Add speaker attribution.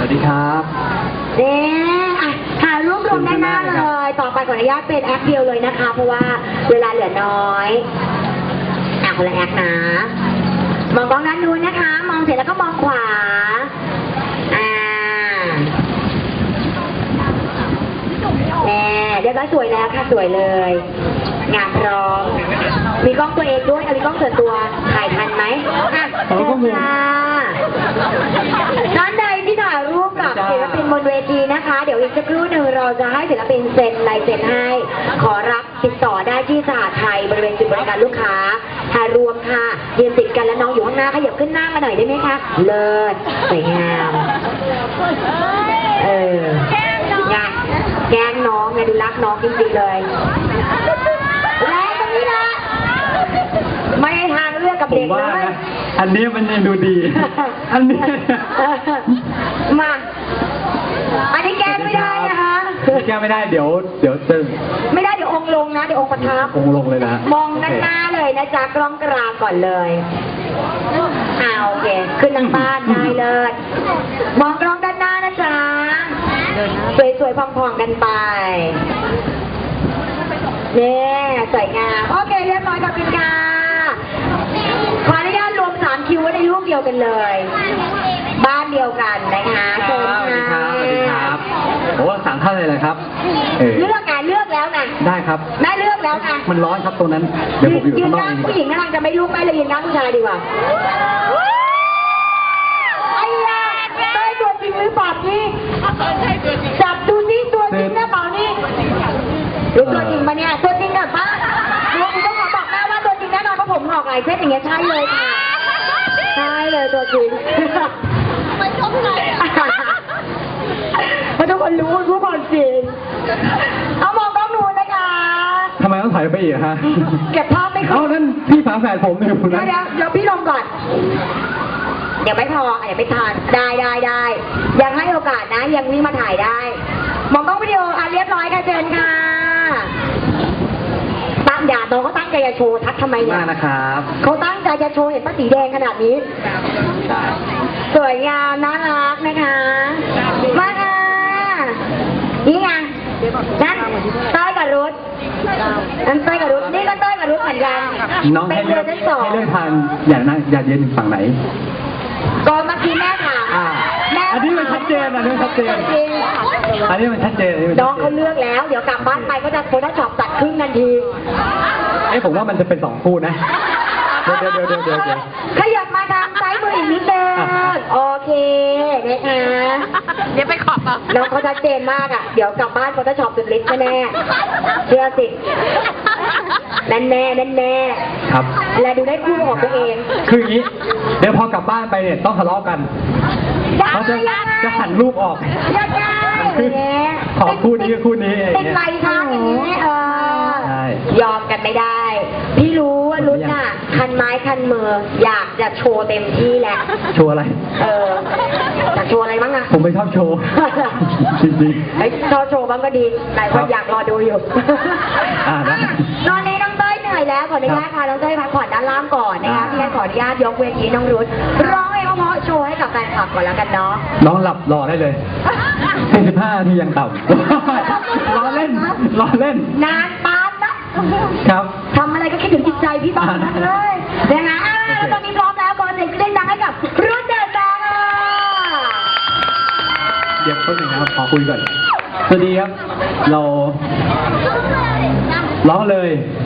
Speaker 1: วัสดีครับ
Speaker 2: ถ่ายรูปรวมด้านหน้าเลยต่อไปขออนุญาตเป็นแอคเดียวเลยนะคะเพราะว่าเวลาเหลือน้อยคนละแอคนะมองกล้องด้านนู้นนะคะมองเสร็จแล้วก็มองขวาเดี๋ยวก็สวยแล้วค่ะสวยเลยงานพร้อมมีกล้องตัวเองด้วยมีกล้องส่วนตัวถ่ายทันไหมเชิญค่ะท่านใดที่ถ่ายรูปกับศิลปินบนเวทีนะคะเดี๋ยวอีกสักครู่หนึ่งเราจะให้ศิลปินเซ็นลายเซ็นให้ขอรับติดต่อได้ที่สหไทยบริเวณจุดบริการลูกค้าถ่ายรวมค่ะยืนติดกันแล้วน้องอยู่ข้างหน้าขยับขึ้นหน้ามาหน่อยได้ไหมคะเลิศสวยงามงานแกล้งน้องไงดูรักน้องจริงๆเลยและตรงนี้นะไม่ให้ทางเลือกกับเด็กเลย
Speaker 1: อันนี้มันยังดูดีอันนี้
Speaker 2: มาอันนี้แก้ไม่ได้นะคะ
Speaker 1: แก้ไม่ได้เดี๋ยวจะ
Speaker 2: ไม่ได้เดี๋ยวองค์ลงนะเดี๋ยวองค์ประทับ
Speaker 1: องค์ลงเลยนะ
Speaker 2: มองด้านหน้าเลยนะจ๊ะกล้องกลางก่อนเลยโอเคขึ้นทางบ้านได้เลยมองกล้องด้านหน้านะจ๊ะสวยๆพองๆกันไปเนี่ยสวยงามโอเคเรียบร้อยกับคุณค่ะขออนุญาตรวม3คิวไว้ในรูปเดียวกันเลยบ้านเดียวกันนะคะเชิญค่ะ
Speaker 1: สวัสดีครับโอ้สั่งท่านเลยเลยครับ
Speaker 2: เลือกไงเลือกแล้วไง
Speaker 1: ได้ครับ
Speaker 2: ได้เลือกแล้วไง
Speaker 1: มันร้อนครับตรงนั้นเดี๋ยวผมอยู่ข้างนอก
Speaker 2: ผู้หญิงกำลังจะไม่ลุกไปเลยยืนนั่งผู้ชายดีกว่าไอ้ยาได้ตัวจริงหรือเปล่านี่จับดูนี่ตัวจริงนะเปล่านี่รู้ตัวจริงปะเนี่ยตัวจริงแบบว่าเราต้องขอบอกแม่ว่าตัวจริงแน่นอนเพราะผมหอกหลายเส้นอย่างเงี้ยใช่เลยค่ะใช่เลยตัวจริงไม่ชอบเลยเพราะทุกคนรู้ทุกคนจริงเอามองกล้องนู้นนะคะ
Speaker 1: ทำไมต้องถ่ายไปอีกฮะ
Speaker 2: เก็บภาพไม่ขึ้น
Speaker 1: นั่นพี่ฝาแฝดผมอยู่นะ
Speaker 2: เดี๋ยวพี่ลงก่อนเดี๋ยวไม่พอเดี๋ยวไม่ทานได้ยังให้โอกาสนะยังนี่มาถ่ายได้มองกล้องวิดีโอเรียบร้อยค่ะเชิญค่ะตั้งอย่าน้องเขาตั้งใจจะโชว์ทัดทำไมเนี่ย
Speaker 1: นะครับ
Speaker 2: เขาตั้งใจจะโชว์เห็นป้าสีแดงขนาดนี้สวยงามน่ารักนะคะมาค่ะนี่ไงนั่นต้อยกับรุธนั่นต้อยกับรุธนี่ก็ต้อยกับรุธเหมือนกัน
Speaker 1: น้องให้เลือกทานอย่าเย็นฝั่งไหน
Speaker 2: ก็เมื่อกี้แม่ถาม
Speaker 1: อันนี้มันชัดเจนอันนี้มันชัดเจน
Speaker 2: น้องเขาเลือกแล้วเดี๋ยวกลับบ้านไปก็จะโฟล์ช็อปตัดครึ่งทันที
Speaker 1: ผมว่ามันจะเป็น2 คู่นะเดี๋ยว
Speaker 2: ขยับมาทางซ้ายมืออีกนิดนึงโอเคนะคะ
Speaker 3: เดี๋ยวไปขอบ
Speaker 2: น้องเขาชัดเจนมากอ่ะเดี๋ยวกลับบ้านโฟล์ช็อปสุดฤทธิ์แน่เชื่อสินั่นแน่
Speaker 1: ครับ
Speaker 2: และดูได้คู่ของตัวเอง
Speaker 1: คืออย่างนี้เดี๋ยวพอกลับบ้านไปเนี่ยต้องทะเลาะกันเขาจะหันรูปออกขอคู่นี้กับคู่นี้
Speaker 2: เป็นไรคะอย่างนี้ยอมกันไม่ได้พี่รู้ว่ารุ่นน่ะคันไม้คันมืออยากจะโชว์เต็มที่แหละ
Speaker 1: โชว์อะไร
Speaker 2: อยากโชว์อะไรบ้างอะ
Speaker 1: ผมไม่ชอบโชว์จริง
Speaker 2: ๆชอบโชว์บ้างก็ดีหลายคนอยากรอดูอยู่ตอนนี้น้องเต้ยเหนื่อยแล้วขออนุญาตค่ะน้องเต้ยพักผ่อนด้านล่างก่อนนะคะพี่ขออนุญาตยกเวทีน้องรุ่นร้องเพลงเพราะโชว์ให้กับแฟนคลับก่อนแล้วกันเนาะ
Speaker 1: น้องหลับรอได้เลย45 นาทียังต่ำรอเล่น
Speaker 2: นานปานนะครับทำอะไรก็คิดถึงจิตใจพี่บ้างเลยนะคะตอนนี้พร้อมแล้วก่อนเสียงเล่นดังให้กับรุ่นเดอะแบงค์
Speaker 1: เดี๋ยวต้นหนึ่งนะครับขอคุยก่อนสวัสดีครับเราร้องเลย